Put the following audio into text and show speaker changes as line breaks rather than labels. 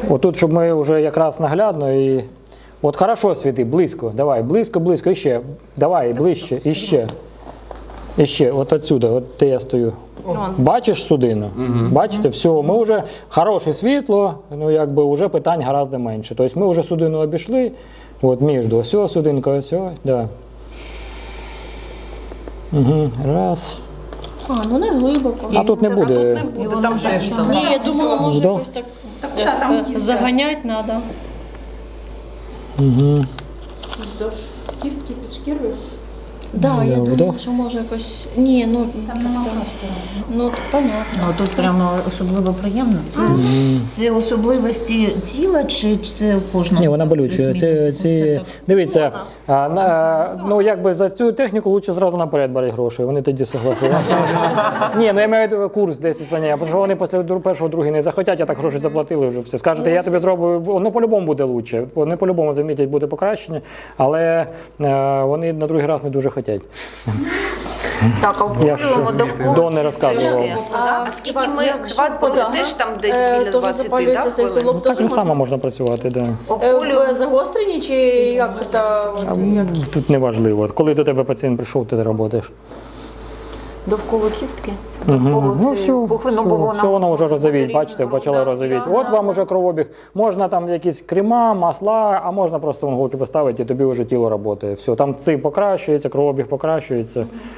Отут, щоб ми вже якраз наглядно і... От хорошо світи, близько, давай, близько, близько, іще. Давай, ближче, іще. Іще, от отсюди, от де я стою. Бачиш судину? Бачите, все, ми вже хороше світло, ну якби вже питань гораздо менше. Тобто ми вже судину обійшли, от між, ось судинка, ось, да. Угу, раз.
Ну не глибоко.
А тут не буде.
Там же
Ні, я думала, може
Да.
якось так заганяти треба.
Угу.
Кістки під шкірою.
Да, я
вдох.
думала, що може якось... Ні, ну...
Там нема простору.
Ну, понятно.
Ну, тут прямо особливо приємно. Це особливості тіла чи це кожного?
Ні, вона болюча. Дивіться, ну якби за цю техніку краще зразу наперед брати гроші, вони тоді согласують. Ні, ну я маю в виду курс 10 занять, тому що вони після першого, другого не захотять, а так гроші заплатили вже все. Скажете, я тобі зроблю, воно по-любому буде краще, вони по-любому замітять, буде покращення, але вони на другий раз не дуже хочуть.
Так, а
Я ж до не розказував.
А скільки ми теж там десь біля 20,
запалюється цей
хвилин?
суглоб,
Так
теж
же само можна працювати, так.
в загостренні чи як це?
Тут не важливо. Коли до тебе пацієнт прийшов, ти працюєш.
довкола кістки?
Ну все, воно вже розовіть, бачите, почало розовіть. От вам уже кровообіг. Можна там якісь крема, масла, а можна просто іголки поставити і тобі вже тіло працює. Все, там ци покращується, кровообіг покращується.